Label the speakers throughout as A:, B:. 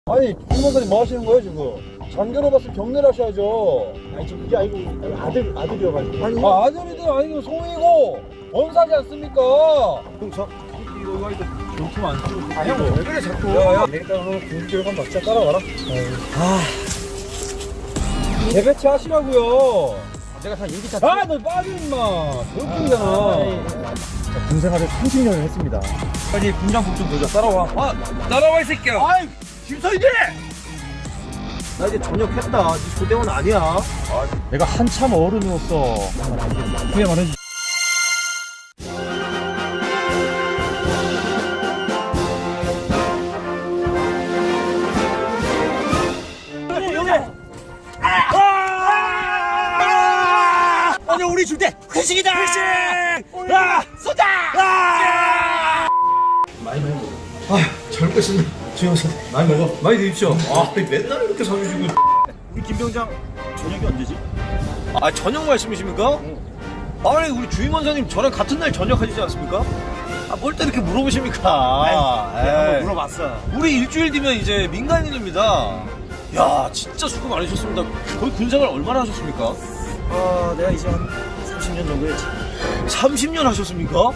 A: 아니 주임원사님 뭐 하시는 거예요 지금? 장교로 봤으면 경례를 하셔야죠.
B: 아니 저 그게 아니고 아들이어가지고.
A: 아니 아들이든 아니든 소위고 원사지 않습니까?
B: 형저
A: 이거 전투 안 쓰고.
B: 아 형 왜 그래 자꾸.
A: 야야 일단 오늘 군교육 한번 받자. 따라와라. 재배치 하시라고요.
B: 내가 다 얘기 다.
A: 너 빠져 임마. 교육중이잖아.
B: 군생활을 30년을 했습니다.
A: 빨리 군장국 좀 보자. 따라와. 따라와 이 새끼야.
B: 아이 김서희들! 나 이제 전역했다. 네 조대원 아니야.
A: 내가 한참 어른이었어. 그게 말해주지.
B: 오늘 우리 줄 때 회식이다. 회식. 쏘자. 많이 먹어. 잘 먹겠습니다. 주영선 많이 먹어. 많이 드십시오. 맨날 이렇게 사주시고. 우리 김병장 저녁이 언제지? 저녁 말씀이십니까? 아니 우리 주임원사님 저랑 같은 날 저녁 하시지 않습니까? 뭘 또 이렇게 물어보십니까? 한번 물어봤어. 우리 일주일 뒤면 이제 민간인입니다. 야 진짜 수고 많으셨습니다. 거의 군생활 얼마나 하셨습니까? 내가 이제 한 30년 정도 했지. 30년 하셨습니까?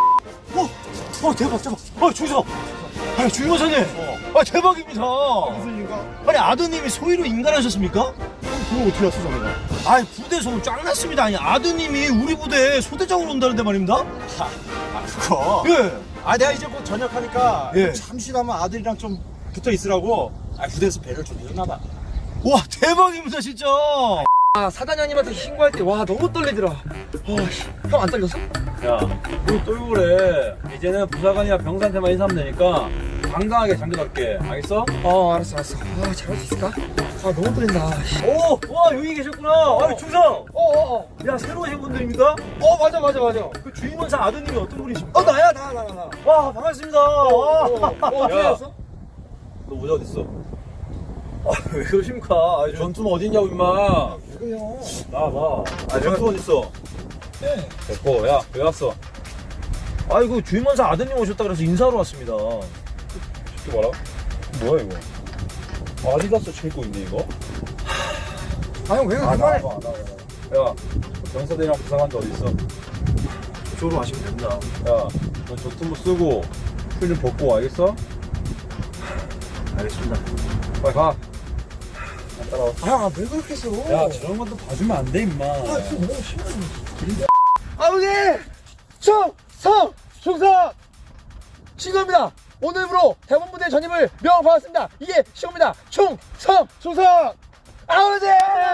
B: 대박. 주의사. 주임원사님. 대박입니다. 무슨 일인가? 아니 아드님이 소위로 인간하셨습니까? 그거 어떻게 알았어 자네가? 부대 소문 쫙 났습니다. 아니 아드님이 우리 부대에 소대장으로 온다는데 말입니다. 그거. 예.
C: 내가 이제 곧 전역하니까
B: 예.
C: 잠시나마 아들이랑 좀 붙어 있으라고 부대에서 배를 좀 해줬나봐.
B: 와 대박입니다 진짜.
D: 사단장님한테 신고할 때 와 너무 떨리더라. 형 안 떨렸어?
A: 야, 뭐 떨고 그래. 이제는 부사관이나 병사한테만 인사하면 되니까 당당하게 장교답게. 알겠어?
D: 알았어. 잘할 수 있을까? 너무 떨린다.
B: 와 여기 계셨구나. 중성. 야 새로 오신 분들입니까?
D: 맞아.
B: 그 주임원사 아드님이 어떤 분이십니까?
D: 나야.
B: 와 반갑습니다. 와.
D: 어떻게
A: 야.
D: 알았어?
A: 너 모자 어딨어?
B: 왜 그러십니까?
A: 전투는 어딨냐고, 임마.
D: 그래요.
A: 나와봐. 전투 어딨어?
D: 네.
A: 됐고, 야, 왜 왔어?
B: 아이고 주임원사 아드님 오셨다 그래서 인사하러 왔습니다.
A: 이거 봐라. 뭐야, 이거? 아디다스 신고 있네, 이거?
D: 형 왜 그만해?
A: 야, 병사들이랑 부사관도 어딨어?
B: 저쪽으로 가시면 됩니다.
A: 야, 너 전투부 쓰고, 풀 좀 벗고, 알겠어?
B: 알겠습니다.
A: 빨리 가. 따라와.
D: 왜 그렇게 했어?
A: 야, 저런 것도 봐주면 안 돼, 임마.
D: 너무 심해.
C: 아버지! 충성! 충성! 신고입니다. 오늘부로 대본부대 전임을 명받았습니다. 이게 신고입니다. 충성! 충성! 아버지!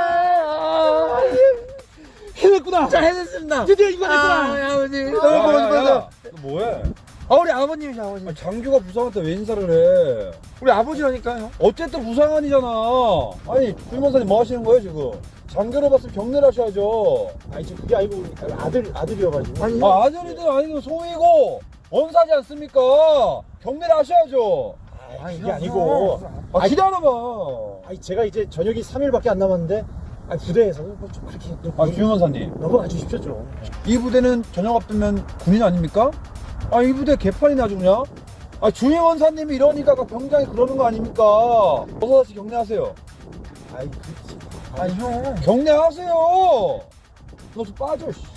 D: 해냈구나.
C: 자, 해냈습니다.
D: 드디어 이만했구나.
C: 아버지.
A: 야,
C: 너무 보고 싶어서.
A: 너 뭐해?
C: 우리 아버님이죠, 아버님.
A: 장교가 부상한테 왜 인사를 해?
C: 우리 아버지라니까요.
A: 어쨌든 부상한이잖아. 아니 주임원사님 뭐 하시는 거예요 지금? 장교로 봤으면 경례를 하셔야죠.
B: 저 그게 아니고 아들이어가지고.
A: 아들이든 아니든 소위고 원사지 않습니까? 경례를 하셔야죠.
B: 그게 아니고.
A: 기다려봐.
B: 제가 이제 전역이 3일밖에 안 남았는데 부대에서 좀 그렇게
A: 주임원사님,
B: 넘어가 주십시오 좀.
A: 이 부대는 전역 앞두면 군인 아닙니까? 이 부대 개판이네 아주 그냥. 주임원사님이 이러니까 병장이 그러는 거 아닙니까? 어서 다시 경례하세요.
C: 형.
A: 경례하세요. 너 좀 빠져. 씨.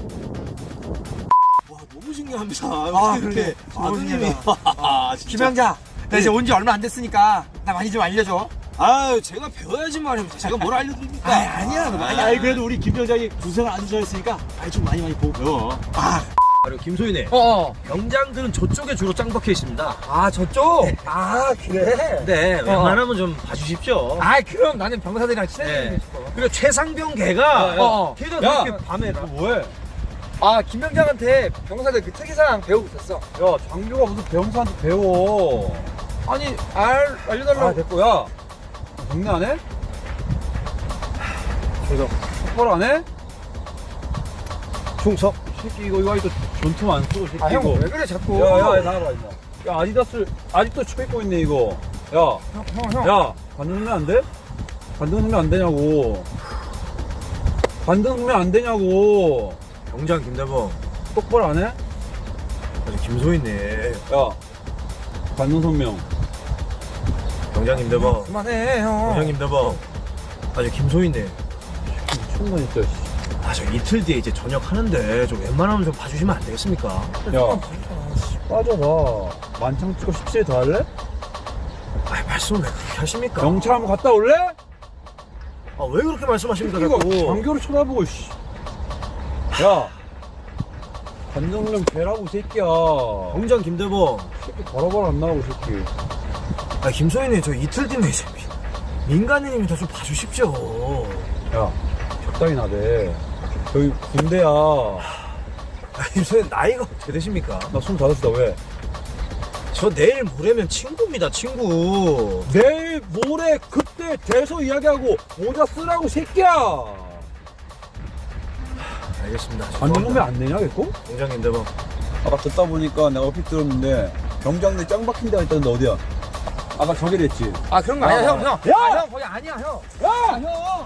B: 와 너무 신기합니다.
C: 그래.
B: 아드님이. 진짜.
D: 김영자, 나 이제 온 지 얼마 안 됐으니까 나 많이 좀 알려줘.
B: 제가 배워야지 말입니다. 제가 뭘 알려드립니까?
D: 아니야.
B: 그래도 우리 김병장이 군생활 안 주셨으니까 좀 많이 보고 배워. 그리고 김소희네. 병장들은 저쪽에 주로 짱 박혀 있습니다.
D: 저쪽?
C: 그래?
B: 네, 웬만하면 좀 봐주십시오.
D: 그럼 나는 병사들이랑 친해지고
B: 네.
D: 싶어.
B: 그리고 최상병 걔가 걔도
A: 야!
B: 그렇게 밤에
A: 너 뭐해?
D: 김병장한테 병사들 그 특이사항 배우고 있었어.
A: 야, 장교가 무슨 병사한테 배워.
D: 아니, 알려달라고.
A: 됐고, 야. 경례 안 해?
B: 충성.
A: 똑바로 안 해?
B: 충성.
A: 새끼, 이거 아직도 전투 안 쓰고, 새끼,
D: 형
A: 이거.
D: 왜 그래 자꾸?
A: 야, 나와봐, 임마. 야, 아디다스, 아직도 쳐 입고 있네, 이거. 야,
D: 형.
A: 야, 관등 넣으면 안 돼? 관등 넣으면 안 되냐고. 관등 넣으면 안 되냐고.
B: 병장 김대범.
A: 똑바로 안 해?
B: 아주 김소희네.
A: 야, 관등 성명.
B: 병장님 대박.
D: 그만해 형.
B: 병장님 대박. 아저 김소희네.
A: 미친놈 진짜.
B: 저 이틀 뒤에 이제 저녁 하는데 좀 웬만하면 좀 봐주시면 안 되겠습니까?
A: 야, 빠져봐. 만창 찍고 17일 더 할래?
B: 말씀을 왜 그렇게 하십니까?
A: 경찰 한번 갔다 올래?
B: 왜 그렇게 말씀하십니까
A: 이거
B: 자꾸?
A: 장교를 쳐다보고 씨. 야, 관정령 개라고 이 새끼야.
B: 병장 김대범.
A: 새끼 바로바로 안 나오고 이 새끼.
B: 김소희님 저 이틀 뒤인데 이제 민간인이면 좀 봐주십시오.
A: 야, 적당히 나대. 저기 군대야.
B: 김소희 나이가 어떻게 되십니까?
A: 나 25이다 왜?
B: 저 내일 모레면 친구입니다 친구.
A: 내일 모레 그때 돼서 이야기하고 모자 쓰라고 새끼야.
B: 알겠습니다.
A: 관정령면 안 되냐 됐고?
B: 병장님 대범.
A: 아까 듣다 보니까 내가 얼핏 들었는데 병장들 짱 박힌 데가 있다는데 어디야? 아까 저기를 했지.
D: 아 그런 거 아니야 형.
A: 야!
D: 형 거기 아니야 형.
A: 야, 형.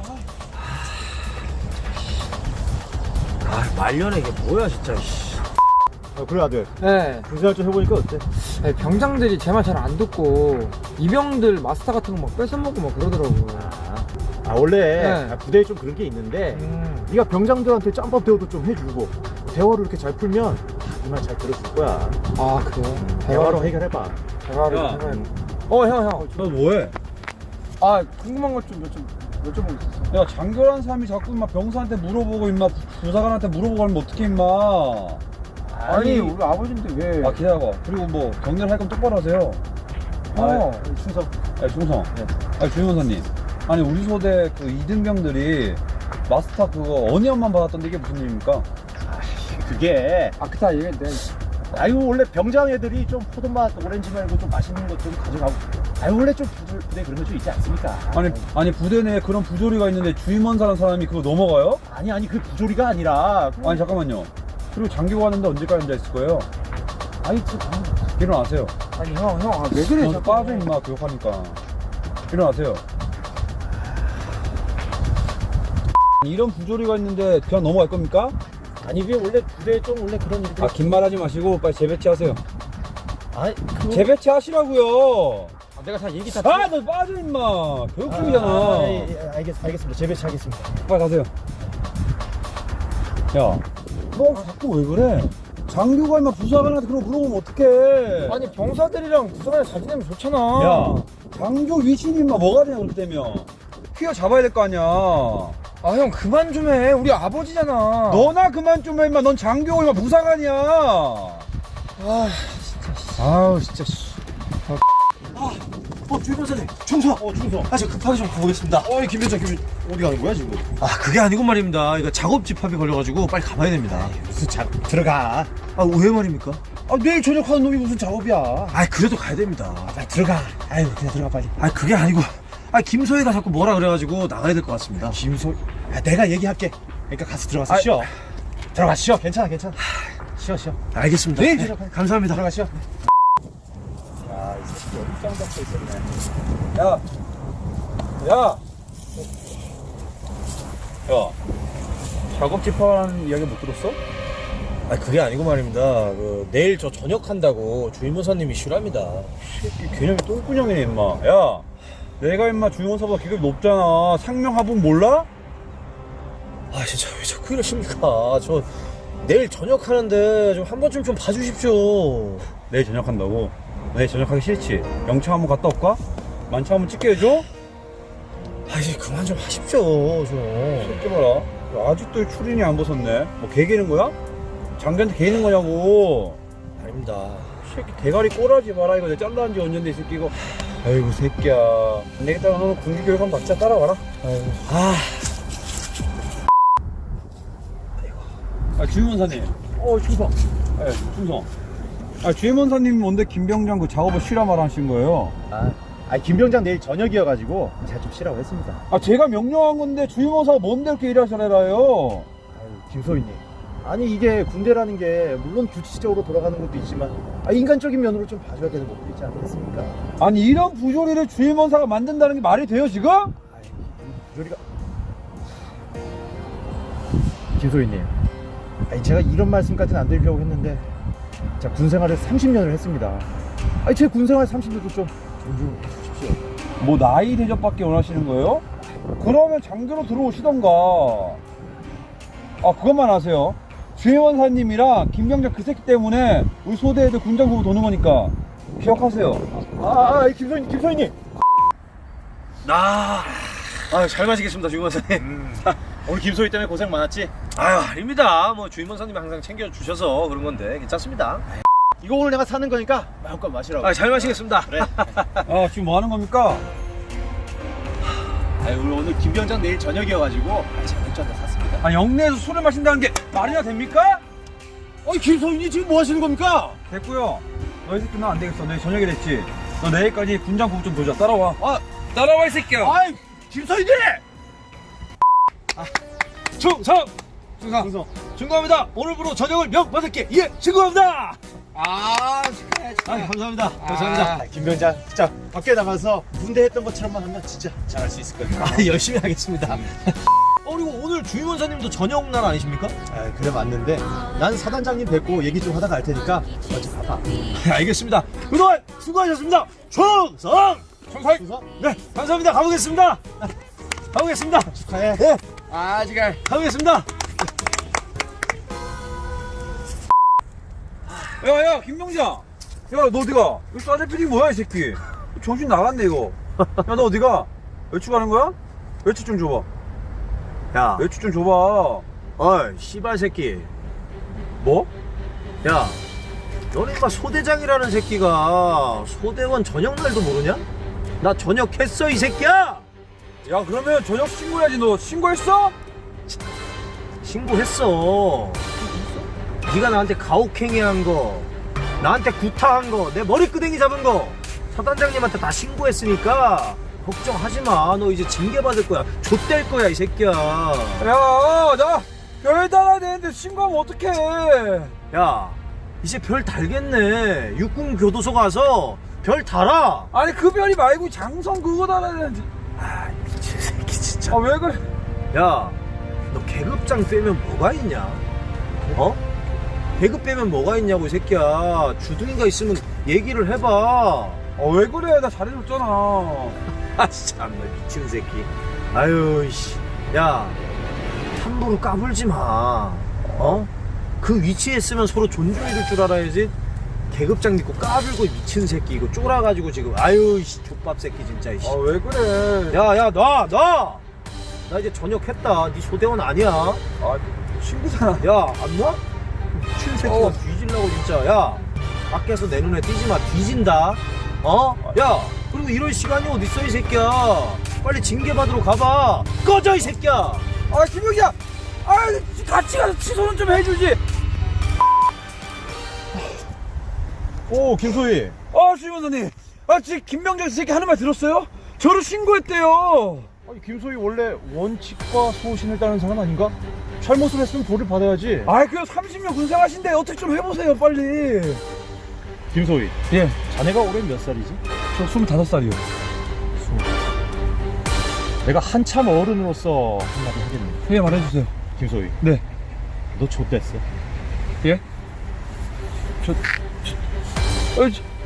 B: 말년에 이게 뭐야 진짜.
C: 그래 아들
D: 네.
C: 군생활 좀 해보니까 어때?
D: 아니, 병장들이 제 말 잘 안 듣고 이병들 마스터 같은 거 막 뺏어먹고 막 그러더라고.
C: 원래
D: 네.
C: 부대에 좀 그런 게 있는데 네가 병장들한테 짬밥 대우도 좀 해주고 대화로 이렇게 잘 풀면 네 말 잘 들어줄 거야.
D: 아 그래?
C: 대화로 해결해봐.
A: 야.
D: 대화를 해봐야 형.
A: 너 뭐해?
D: 아 궁금한 것 좀 여쭤보고 있었어.
A: 야, 장교란 사람이 자꾸 임마 병사한테 물어보고 임마 부사관한테 물어보고 하면 어떡해 임마.
D: 아니 우리 아버지인데 왜?
A: 아, 기다려봐. 그리고 뭐 경례를 할 거면 똑바로 하세요.
C: 충성.
A: 충성. 주임원사님. 아니 우리 소대 그 이등병들이 마스터 그거 어니언만 받았던데 이게 무슨 일입니까?
C: 그게
D: 아 그다 얘기했는데.
C: 원래 병장 애들이 좀 포도맛 오렌지 말고 좀 맛있는 것 좀 가져가고 원래 좀 부대 그런 거 좀 있지 않습니까?
A: 아니 부대 내에 그런 부조리가 있는데 주임원사라는 사람이 그거 넘어가요?
C: 아니 그 부조리가 아니라
A: 아니 잠깐만요. 그리고 장교 가는데 언제까지 앉아 있을 거예요? 일어나세요.
D: 아니 형 왜 그래?
A: 너 빠져 임마 교육하니까. 일어나세요. 이런 부조리가 있는데 그냥 넘어갈 겁니까?
C: 아니 그게 원래 부대에 좀 원래 그런 일들이
A: 긴 말 하지 마시고 빨리 재배치 하세요. 재배치 하시라고요.
D: 내가 다 얘기 다.
A: 너 빠져 임마. 교육 중이잖아.
C: 알겠습니다. 재배치하겠습니다.
A: 빨리 가세요. 야, 너 자꾸 왜 그래? 장교가 임마 부사관한테 그러고 물어보면 어떡해?
D: 아니 병사들이랑 부사관이 잘 지내면 좋잖아.
A: 야, 장교 위신이 임마 뭐가 되냐 그렇게 되면 휘어 잡아야 될 거 아니야.
D: 아 형 그만 좀 해. 우리 아버지잖아.
A: 너나 그만 좀 해 임마. 넌 장교고 임마 부사관이야. 아우 진짜.
B: 주임원사님 충성.
C: 충성.
B: 저 급하게 좀 가보겠습니다.
C: 김병장 어디 가는 거야 지금?
B: 그게 아니고 말입니다. 이거 작업 집합이 걸려가지고 빨리 가봐야 됩니다.
C: 무슨 들어가.
B: 왜 말입니까?
C: 내일 저녁 하는 놈이 무슨 작업이야?
B: 그래도 가야 됩니다.
C: 빨리 들어가. 그냥 들어가 빨리.
B: 그게 아니고 김소희가 자꾸 뭐라 그래가지고 나가야 될 것 같습니다.
C: 김소. 내가 얘기할게. 그러니까 가서 들어가서 쉬어. 들어가 쉬어. 괜찮아. 쉬어.
B: 알겠습니다.
C: 네,
B: 감사합니다.
C: 들어가 쉬어.
A: 야, 작업 집합하는 이야기 못 들었어?
B: 그게 아니고 말입니다. 내일 저 저녁 한다고 주임원사님이 쉬랍니다.
A: 새끼 개념이 똥꾸녕이네 임마. 야, 내가 임마 주임원사보다 계급이 높잖아. 상명하분 몰라?
B: 진짜 왜 자꾸 이러십니까? 저 내일 저녁 하는데 좀 한 번쯤 좀 봐주십시오.
A: 내일 저녁 한다고? 내일 저녁 하기 싫지? 영창 한번 갔다 올까? 만차 한번 찍게 해줘?
B: 이제 그만 좀 하십시오 좀.
A: 새끼 봐라. 야, 아직도 추린이 안 벗었네. 뭐 개기는 거야? 장교한테 개기는 거냐고.
B: 아닙니다.
A: 새끼 대가리 꼬라지 마라. 이거 내가 잘라한 지 언젠데 이 새끼 이거. 아이고 새끼야. 안 되겠다. 너는 군기교육 한번 받자. 따라와라. 주임원사님.
C: 충성.
A: 충성. 주임원사님 뭔데 김병장 그 작업을 쉬라 말하신 거예요?
C: 김병장 내일 저녁이어가지고 제가 좀 쉬라고 했습니다.
A: 제가 명령한 건데 주임원사가 뭔데 이렇게 일하시래요?
C: 김소희님. 이게 군대라는 게 물론 규칙적으로 돌아가는 것도 있지만 인간적인 면으로 좀 봐줘야 되는 것도 있지 않겠습니까?
A: 아니 이런 부조리를 주임원사가 만든다는 게 말이 돼요 지금?
C: 부조리가. 김소희님. 제가 이런 말씀까지는 안 드리려고 했는데 자, 군생활을 30년을 했습니다. 제 군생활 30년도 좀 존중해 주십시오.
A: 뭐 나이 대접밖에 원하시는 거예요? 그러면 장교로 들어오시던가. 아 그것만 아세요. 주혜원사님이랑 김병장 그 새끼 때문에 우리 소대 애들 군장 보고 도는 거니까 기억하세요.
C: 김소희님.
B: 잘 마시겠습니다, 주임원사님.
C: 오늘 김소희 때문에 고생 많았지?
B: 아유, 아닙니다. 뭐 주임원사님이 항상 챙겨주셔서 그런 건데 괜찮습니다.
C: 이거 오늘 내가 사는 거니까 마음껏 마시라고.
B: 잘 마시겠습니다.
C: 그래.
A: 아 지금 뭐 하는 겁니까?
C: 우리 오늘 김병장 내일 저녁이어가지고 맥주 한잔 샀습니다.
A: 아 영내에서 술을 마신다는 게 말이나 됩니까?
C: 김소희님 지금 뭐 하시는 겁니까?
A: 됐고요. 너희 새끼 나 안 되겠어. 너희 저녁에 됐지. 너 내일까지 군장 구부 좀 보자. 따라와. 따라와 이 새끼야.
C: 김소희님!
B: 충성!
C: 충성.
B: 충성합니다. 오늘부로 저녁을 명받을게. 예, 증거합니다.
C: 감사합니다.
B: 감사합니다.
C: 김병장 진짜 밖에 나가서 군대 했던 것처럼만 하면 진짜 잘할 수 있을 거예요.
B: 열심히 하겠습니다. 그리고 오늘 주임원사님도 저녁 날 아니십니까?
C: 그래 맞는데 난 사단장님 뵙고 얘기 좀 하다가 갈 테니까 먼저 가봐.
B: 알겠습니다. 그동안 수고하셨습니다. 충성!
C: 충성.
B: 네, 감사합니다. 가보겠습니다. 가보겠습니다.
C: 축하해.
B: 네,
D: 지금
B: 가보겠습니다.
A: 야야 김병장. 야 너 어디가? 이거 싸대필이 뭐야 이 새끼. 정신 나갔네 이거. 야 너 어디가? 외출 가는 거야? 외출 좀 줘봐.
B: 야,
A: 외출 좀 줘봐.
B: 어이, 씨발 새끼.
A: 뭐?
B: 야, 너네 인마 소대장이라는 새끼가 소대원 저녁날도 모르냐? 나 저녁했어, 이 새끼야!
A: 야 그러면 저녁 신고해야지. 너 신고했어?
B: 신고했어. 네가 나한테 가혹행위한 거, 나한테 구타한 거, 내 머리끄댕이 잡은 거 사단장님한테 다 신고했으니까 걱정하지 마. 너 이제 징계 받을 거야. 좆될 거야, 이 새끼야.
A: 야나 별 달아야 되는데 신고하면 어떡해.
B: 야, 이제 별 달겠네. 육군 교도소 가서 별 달아.
A: 아니 그 별이 말고 장성 그거 달아야 되는데.
B: 미친 새끼 진짜.
A: 아 왜 그래?
B: 야, 너 계급장 빼면 뭐가 있냐? 어? 계급 빼면 뭐가 있냐고, 이 새끼야. 주둥이가 있으면 얘기를 해봐.
A: 왜 그래? 나 잘해줬잖아.
B: 아, 참, 너 미친 새끼. 아유, 씨. 야, 함부로 까불지 마. 어? 그 위치에 있으면 서로 존중해줄 줄 알아야지. 계급장 믿고 까불고 미친 새끼. 이거 쫄아가지고 지금. 아유, 씨. 족밥 새끼, 진짜. 씨.
A: 왜 그래?
B: 야, 나 이제 전역했다. 네 소대원 아니야.
A: 친구잖아.
B: 야, 안 놔? 미친 새끼가 뒤질라고 진짜. 야, 밖에서 내 눈에 띄지 마. 뒤진다. 야, 그리고 이럴 시간이 어딨어, 이 새끼야. 빨리 징계 받으러 가봐. 꺼져, 이 새끼야.
A: 김병장. 같이 가서 취소는 좀 해주지.
C: 오 김소희.
A: 주임원사님. 지금 김병장 새끼 하는 말 들었어요? 저를 신고했대요.
C: 김소희 원래 원칙과 소신을 따르는 사람 아닌가? 잘못을 했으면 벌을 받아야지.
A: 그 30년 군생하신데 어떻게 좀 해보세요 빨리.
C: 김소희.
A: 예.
C: 자네가 올해 몇 살이지?
A: 저 25살이요.
C: 내가 한참 어른으로서 한마디 하겠네.
A: 예 말해주세요.
C: 김소희.
A: 네.
C: 너 좆됐어.
A: 예? 저